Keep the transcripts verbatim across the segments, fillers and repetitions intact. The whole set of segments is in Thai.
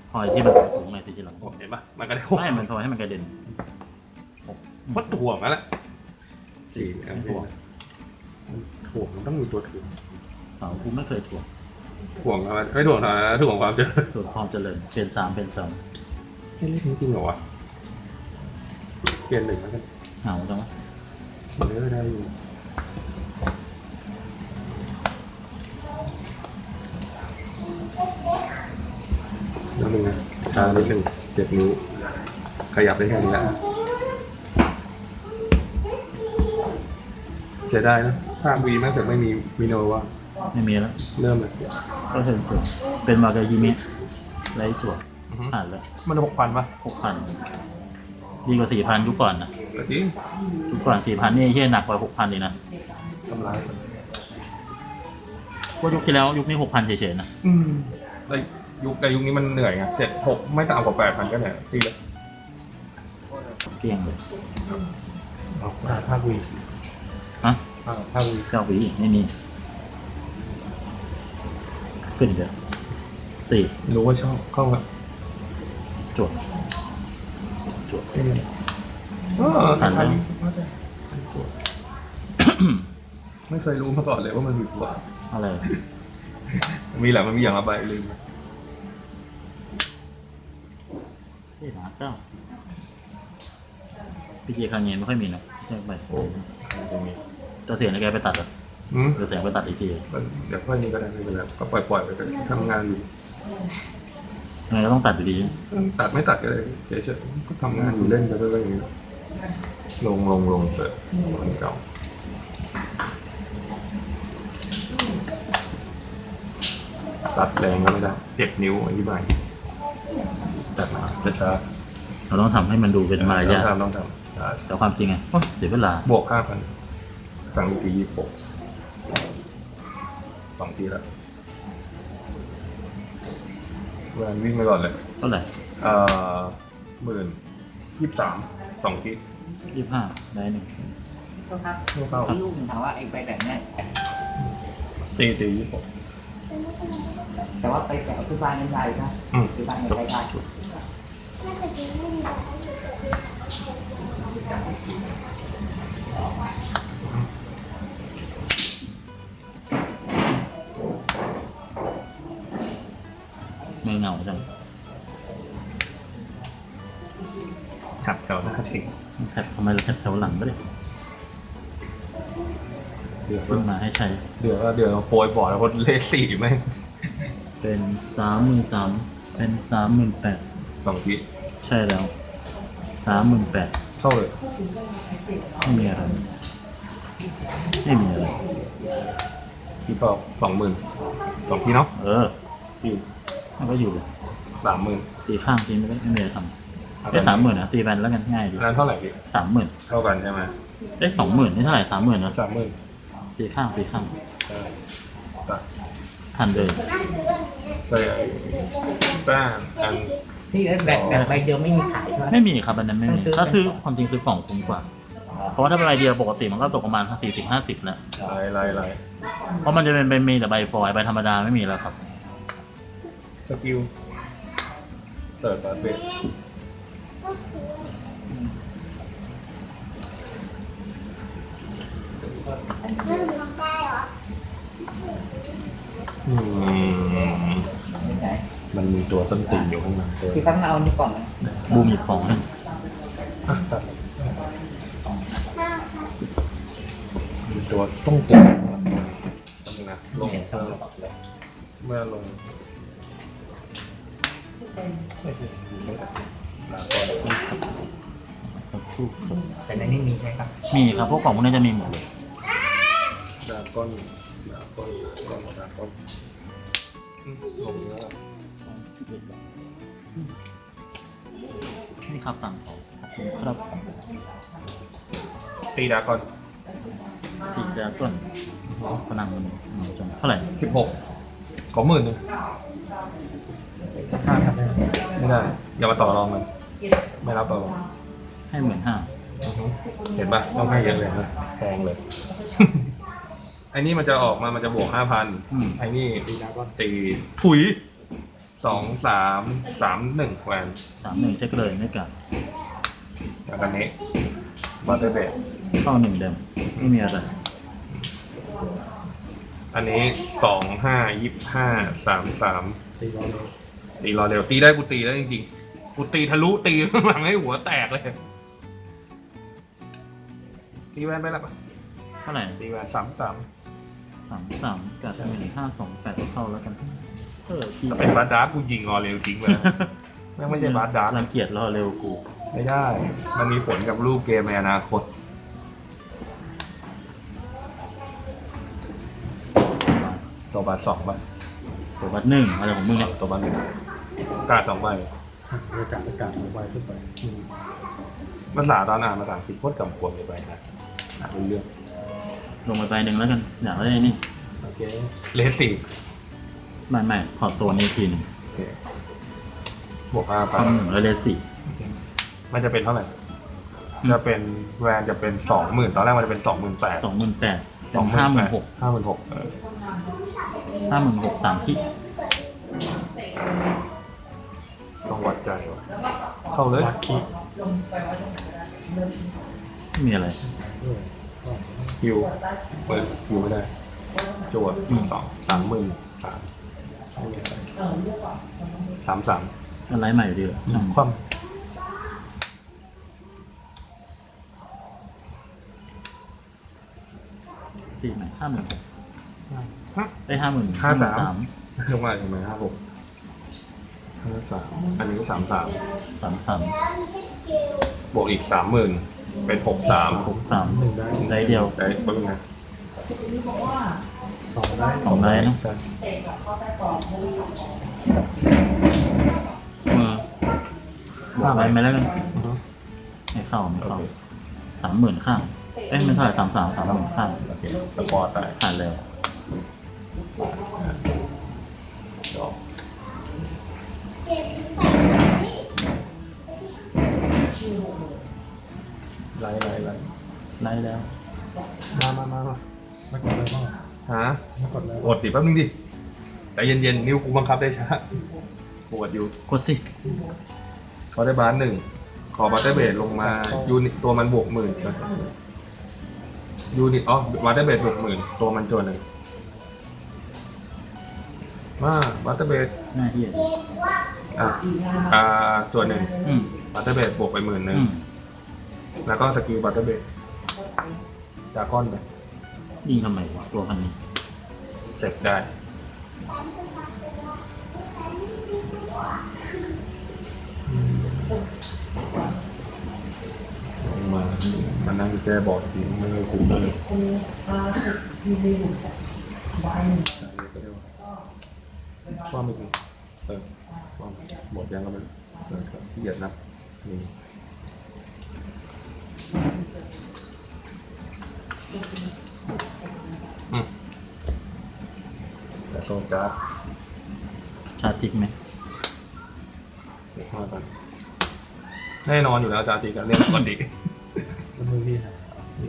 พอยที่มันสูงๆหน่อยสิทีหลังเห็นปะมันก็ได้ไม่มันพอให้มันกระเด็นมันถ่วงแล้วแหละสี่ไม่ถ่วงถ่วงมันต้องมีตัวถ่วงเสากูไม่เคยถ่วงถ่วงอะไรไม่ถ่วงอะไรถ่วงความเจริญถ่วงความเจริญเป็นสามเป็นสองเล่นจริงๆเหรอวะเปลี่ยนหนึ่งแล้วกันเหงาจังวะเนื้อได้อยู่แล้วมึงช้านิดนึงเจ็บนิ้วขยับได้แค่นี้แหละจะได้นะถ้าวีแม่งจะไม่มีมิโนวะไม่มีแล้วเริ่มเลยก็ถึงจุดเป็นวากายิมิไรจวดอ่านแล้วมันหกพันปะหกพันดีกว่าสี่พันยุคก่อนนะแต่จริงยุคก่อนสี่พันนี่เฮี้ยหนักกว่าหกพันเลยนะทำร้ายพวกยุคที่แล้วยุคนี้หกพันเฉยๆนะอืมแต่ยุคแต่ยุคนี้มันเหนื่อยไงเจ็ดหกไม่ต่ำกว่าแปดพันก็เหนื่อยตีเลยเกลี้ยงเลยเอาห้าวีฮะห้าวีเก้าวิไม่มีขึ้นเลยตีรู้ว่าชอบเข้ามาจวดจวดเออผ่านเลยไม่เคยรู้มาก่อนเลยว่ามันมีตัวอะไรมีแหละมันมีอย่างละใบลืมที่หาเก้าพีจีครั้งนี้ไม่ค่อยมีนะใช่ไหมโอ้จะเสียงในแกไปตัดเหรออืมหรือเสียงไปตัดอีกทีเดี๋ยวค่อยนี้ก็ได้ไม่เป็นไรก็ปล่อยปล่อยๆไปก็ได้ทำงานอยู่ไงก็ต้องตัดอยู่ดีตัดไม่ตัดก็ได้เฉยๆก็ทำงานอยู่เล่นไปเรื่อยๆอย่างนี้ลงลงลงเปิดคนเก่าตัดแรงก็ไม่ได้เจ็บนิ้วอธิบายตัดมาช้าเราต้องทำให้มันดูๆเป็นมารยาทต้องทำต้องทำใช่แต่ความจริงไงโอ๊ยเสียเวลาบวกห้าพันสั่งอีกทียี่สิบหกสองทีแล้วแวนวิ่งไปก่อนเลยเท่าไหร่เอ่อหมื่นยี่สิบสามสองทียี่สิบห้าได้หนึ่งโทษครับเข้าลูกถามว่าไอ้ใบแบบเนี้ยตีตียี่สิบหกแต่ว่าไปแกะที่บ้านไม่ได้นะอืมที่บ้านไม่ได้ได้มือเหงาจังขับแถวหน้าทิ้งแถบทำไมเราแถบแถวหลังไม่ได้เดือดเพิ่งมาให้ใช้เดือดเดือดโปรยบอร์ดแล้วคนเลขสี่ไหมเป็นสามหมื่นสามเป็นสามหมื่นแปดสองทีใช่แล้วสามหมื่นแปดเข้าเลยไม่มีอะไรไม่มีอะไรที่ก็สองหมื่นสองทีเนาะเอออยู่มันก็อยู่สามหมื่นตีข้างตีไม่ได้ไม่มีอะไรทำได้สามหมื่นนะตีแบนแล้วกันง่ายดีนั้นเท่าไหร่พี่สามหมื่นเท่ากันใช่ไหมได้สองหมื่นนี่เท่าไหร่สามหมื่นนะสามหมื่นตีข้างตีข้างใช่ตัดทันเลยใช่แป้งอันที่แบบแบบใบเดียวไม่มีขายใช่ไหมไม่มีครับอันนั้นไม่มีต้องซื้อถ้าซื้อความจริงซื้อของคุ้มกว่า เพราะว่าถ้าเป็นใบเดียวปกติมันก็ตกประมาณสี่สิบห้าสิบแล้วลายลายลายเพราะมันจะเป็นใบมีแต่ใบฟอยล์ใบธรรมดาไม่มีแล้วครับสกิลเสิร์ฟแบบเบสอืมไหนมันมีตัวส้นตีนอยู่ข้างหลังด้วยที่ตั้งเอานี่ก่อนนะบูมหยิบของหนึ่งอ่ะตัดมีตัวต้องตีนนะลงเห็นเมื่อเมื่อลงลาก่อนสักครู่ครับแต่ในนี้มีใช่ครับมีครับพวกของพวกนี้จะมีหมดเลยดาก้อนดาก้อนก้อนดาก้อนอืมลงแล้วนี่ครับตังค์เขาขอบคุณครับตีดาก้อนติดดราก้อนพลังมันเหนียวจังเท่าไหร่สิบหกขอหมื่นหนึ่งห้าครับไม่ได้ อย่ามาต่อรองมัน ไม่รับต่อรองให้หมื่นห้าอือฮึเห็นปะต้องให้เยอะเลยนะแพงเลย ไอ้นี่มันจะออกมา มันจะบวกห้าพันไอ้นี่ตีดาก้อนตีถุยสองสามสามหนึ่งแวนสามหนึ่งเช็คเลยไม่กัดแล้วกันนี้บัตเตอร์เบดเข้าหนึ่งเดมไม่มีอะไรอันนี้สองห้ายี่ห้าสามสามตีร้อนเลยตีรอเร็วตีได้กูตีได้จริงๆกูตีทะลุตีข้างหลังให้หัวแตกเลยตีแวนไปแล้วปะเท่าไหร่ตีแวนสามสามสามสามกัดหนึ่งห้าสองแปดเข้าแล้วกันเออที่ถ้าเป็นบาร์ดาร์กูยิงรอเร็วทิ้งไปแล้วแม่งไม่ใช่บาร์ดาร์รังเกียจรอเร็วกูไม่ได้ มันมีผลกับรูปเกมในอนาคตตัวบาร์สองใบตัวบัตรหนึ่งอะไรของมึงเนี่ยตัวบาร์หนึ่งกาดสองใบอากาศอากาศสองใบขึ้นไปอืมภาษาตอนอ่านภาษาอังกฤษโคตรกำกวมเลยไปนะอ่านเป็นเรื่องลงไปใบหนึ่งแล้วกันอยากได้นี่โอเคเลสสี่ไม่ไม่ถอดโซนนี้ทีหนึ่งโอเคบวกห้าไปทำหนึ่งแล้วเลสสี่มันจะเป็นเท่าไหร่ จะเป็นแวนจะเป็นสองหมื่นตอนแรกมันจะเป็นสองหมื่นแปดสองหมื่นแปดสองห้าหมื่นหกห้าหมื่นหกห้าหมื่นหกสามที่ต้องวัดใจว่ะเข้าเลยวัดคีย์ไม่มีอะไรด้วยก็ฮิวเปิดฮิวไม่ได้จวดสองสามหมื่นสามไม่มีอะไรสามสามอะไรใหม่อยู่ดีเหรออืมคว่ตีใหม่ห้าหมื่นหกำฮะได้ห้าหมื่นห้าสามสามลงมาทำไมห้าหกห้าสามอันนี้สามสามสามสามบวกอีกสามหมื่นเป็นหกสามหกสามหนึ่งได้ได้เดียวได้บ้างไงสองได้สองได้นะใช่มือ บวกไปไหมแล้วกันอือฮึไม่เข้าไม่โอเข้าเคสามหมื่นข้าง เอ้ยมันเท่าไหร่สามสามสามหมื่นข้างโอเคสปอร์ตได้ผ่านเร็วดอกไล่ไล่ไล่ไล่แล้วมามามามาไม่กดเลยบ้างฮะไม่กดเลยกดดิแป๊บนึงดิใจเย็นๆนิ้วกูบังคับได้ช้าปวดอยู่กดสิขอได้บาร์หนึ่งขอบัตเตอร์เบดลงมายูนิตตัวมันบวกหมื่นยูนิตอ๋อบัตเตอร์เบดบวกหมื่นตัวมันจวนหนึ่งมาบัตเตอร์เบดหน้าที่อ่ะอ่าจวนหนึ่งอืมบัตเตอร์เบดบวกไปหมื่นหนึ่งอืมแล้วก็สกิลบัตเตอร์เบดดราก้อนไปยิงทำไมวะตัวพันนี้เสร็จได้ลงมามันนั่งแก้บอร์ดทีไม่ได้คุ้มเลยว่าไม่ดีเออว่าหมดยังก็ไม่เออครับเหยียดนับนี่อืมแต่โซการ์ดชาร์จทิกไหมเดี๋ยวว่ากันแน่นอนอยู่แล้วจาติกันเรื่องปกติแล้วมือพี่หาย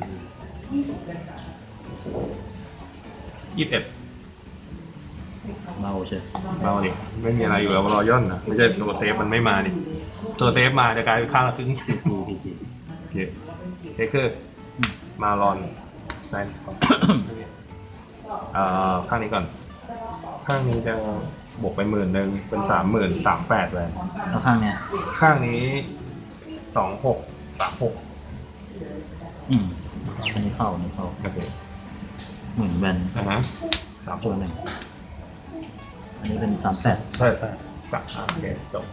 ยี่สิบเอ็ดเราเช่ยเราดิไม่มีอะไรอยู่แล้วรอย่อนนะไม่ใช่ตัวเซฟมันไม่มาดิตัวเซฟมาจะกลายเป็นข้างละครึ่งพีจีพีจีโอเคเชคเกอร์มาลอนไนท์ก่อนอ่าข้างนี้ก่อน ข้างนี้จะบวกไปหมื่นหนึ่งเป็นสามหมื่นสามแปดเลยแล้วข้างเนี้ยข้างนี้สองหกสามหกอืมอันนี้เข้าอันนี้เข้าโอเคหมื่นแวนอ่าฮะสามหตัวกหนึ่งอันนี้เป็นสามแปดใช่ใช่สามโอเคจบ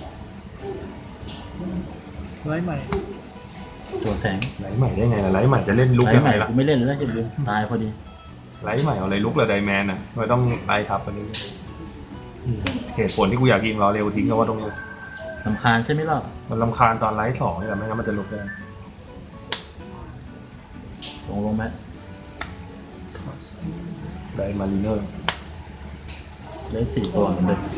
ไล่ใหม่ตัวแสงไลท์ใหม่ได้ไงล่ะไลท์ใหม่จะเล่นลุกไล่ยังใหไงม่ล่ะกูไม่เล่นเลยนะจะลืมตายพอดีไลท์ใหม่เอาอะไรลุกเลยไดแมนอ่ะไม่ต้องไลท์ทับอันนี้เหตุผลที่กูอยากยิงรอเร็วทิ้งก็ว่าตรงนี้สำคาญใช่ไหมล่ะมันลำคาญตอนไลท์สองนี่แหละไม่งั้นมันจะลุกได้ลงลงไหมไดมารีเนอร์เล่นสี่ตัวเหมือนเดิม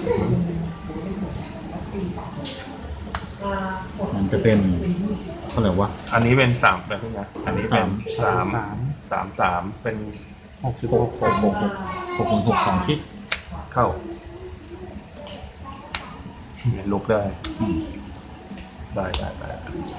มันจะเป็นเท่าไหร่วะอันนี้เป็นสามแบบนี้นะอันนี้เป็นสามสามสามสามเป็นหกสิบหหกกหกหกหกหกหกหกสองคิดเข้าเนี่ยลุกได้อืมได้ได้ได้